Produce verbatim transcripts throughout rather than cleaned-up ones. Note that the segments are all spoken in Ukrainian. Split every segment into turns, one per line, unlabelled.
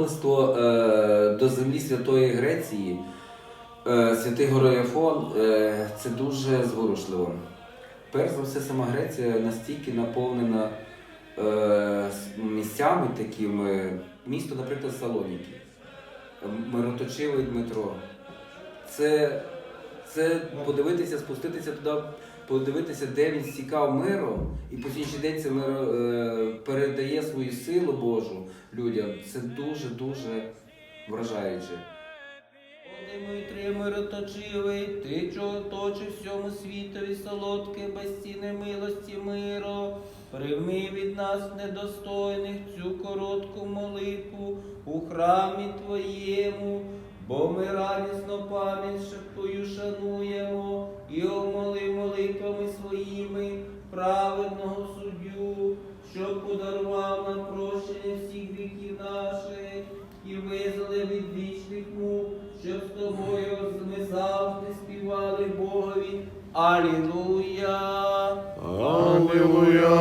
паломництво е, до землі Святої Греції, е, святий Гороєфон, е, це дуже зворушливо. Перш за все, сама Греція настільки наповнена е, місцями такими, місто, наприклад, Салоніки, мироточивий Дмитро. Це, це подивитися, спуститися туди, подивитися, де він стікав миром, і по сьогоднішній день це миро е, передає свою силу Божу людям. Це дуже-дуже вражаюче.
О, Дмитрий мироточивий, ти, чого точиш всьому світові солодке, безцінне милості миро, прийми від нас недостойних цю коротку молитву у храмі Твоєму, бо ми радісно пам'ять Твою шануємо і омоли молитвами своїми праведного суддю, щоб подарував нам прощення всіх гріхів наших і визволив від вічних мук, щоб з Тобою ми завжди співали Богові. Алілуя!
Алілуя,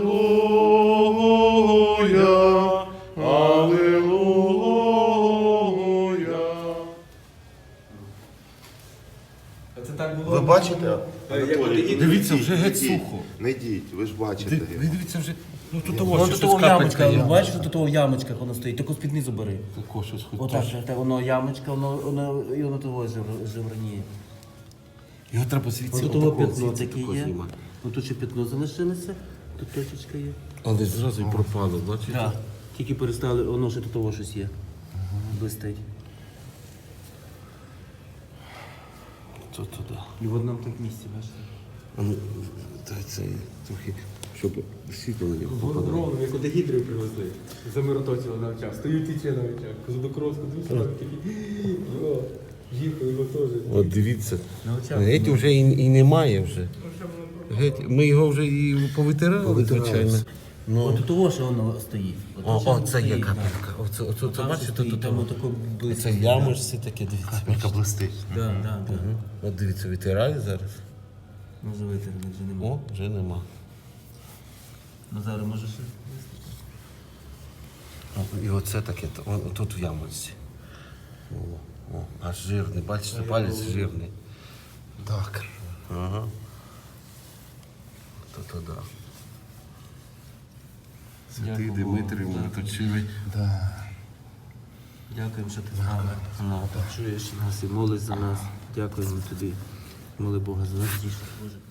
алілуя, алілуя.
Це так було.
Ви бачите? Анатолій,
Дивіться, вже
не
геть
йдіть,
сухо.
Не йдіть, ви ж бачите.
Ди-
його.
Ви дивіться вже. Ну тут того,
Воно
що
тут
щось
того ямочка,
капелька.
бачиш, що тут того в ямочках воно стоїть, таку спідницю бери.
Тако щось хоч
Отак,
трошки.
так, так, воно ямочка, воно, воно, і воно того жив- живраніє.
Його треба звідси
Ось того
отако,
п'ятно
звідси
таке
тако
є.
знімати.
Ось тут ще п'ятно залишилося, тут точечка є.
Але зразу і пропало, бачите?
Так, тільки перестали, воно ще тут того щось є. Блистить.
То туди.
І в одному так місці, бачите.
А ну, дай це трохи, щоб світло на нього попадало.
Ровно, як от гідрів привезли. Замироточили на очах. Стою тіче на очах. Козадокровську душу такі. О, жінку його теж.
От дивіться.
На очах.
Геть вже і, і немає вже. Геть, ми його вже і повитирали, звичайно. Ну,
От того, що воно стоїть. От
о,
ще
о,
воно
це є
стоїть,
капелька. Оце, оце,
так.
це,
Там ще
бачите,
стоїть,
тут
там отако близько.
це ямочці таке, дивіться.
Капелька блистить.
Так, так, так.
От дивіться, витираю зараз.
Може витерли, вже нема.
О, вже нема.
Ну зараз може ще.
О, і оце таке, о, тут в ямочці. О, о, аж жирний, бачите, палець жирний.
Так.
Ага. То то да. Святий
Дякую
Дмитрий
Богу.
Мироточивий.
Дякуємо, що ти з нами. Ну, чуєш нас і молись за нас. Дякуємо тобі. Моли Бога за нас. Боже.